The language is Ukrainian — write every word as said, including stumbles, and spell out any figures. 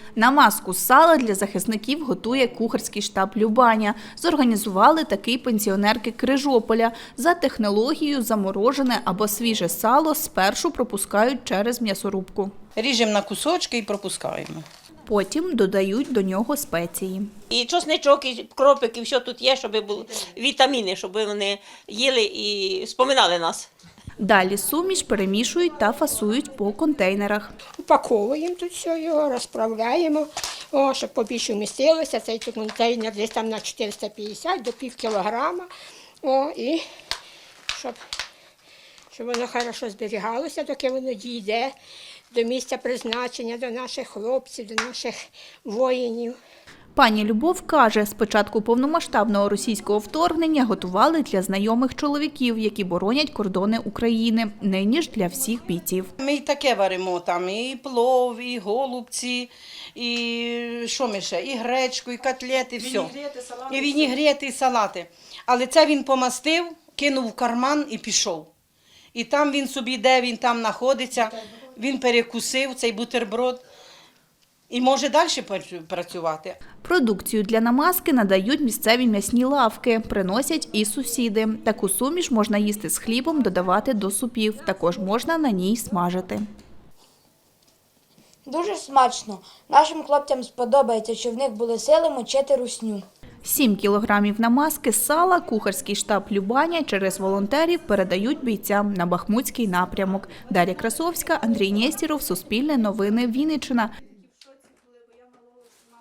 Намазку з сала для захисників готує кухарський штаб «Любаня». Зорганізували такий пенсіонерки Крижополя. За технологією заморожене або свіже сало спершу пропускають через м'ясорубку. Ріжемо на кусочки і пропускаємо. Потім додають до нього спеції. І чесничок, і кропик, і все тут є, щоб були вітаміни, щоб вони їли і споминали нас. Далі суміш перемішують та фасують по контейнерах. Упаковуємо тут все його, розправляємо, о, щоб побільше вмістилося. Цей тут контейнер десь там на чотириста п'ятдесят до пів кілограма. О, і щоб, щоб воно хорошо зберігалося, доки воно дійде до місця призначення, до наших хлопців, до наших воїнів. Пані Любов каже, з початку повномасштабного російського вторгнення готували для знайомих чоловіків, які боронять кордони України. Нині ж для всіх бійців. Ми і таке варимо, там і плов, і голубці, і що ми ще, і гречку, і котлети, і все. І вінігрети, і салати. Але це він помастив, кинув в карман і пішов. І там він собі, де він там знаходиться, він перекусив цей бутерброд. І може далі працювати. Продукцію для намазки надають місцеві м'ясні лавки, приносять і сусіди. Таку суміш можна їсти з хлібом, додавати до супів. Також можна на ній смажити. Дуже смачно. Нашим хлопцям сподобається, що в них були сили мочити русню. Сім кілограмів намазки з сала кухарський штаб «Любаня» через волонтерів передають бійцям на Бахмутський напрямок. Дар'я Красовська, Андрій Нєстєров, Суспільне новини, Вінниччина.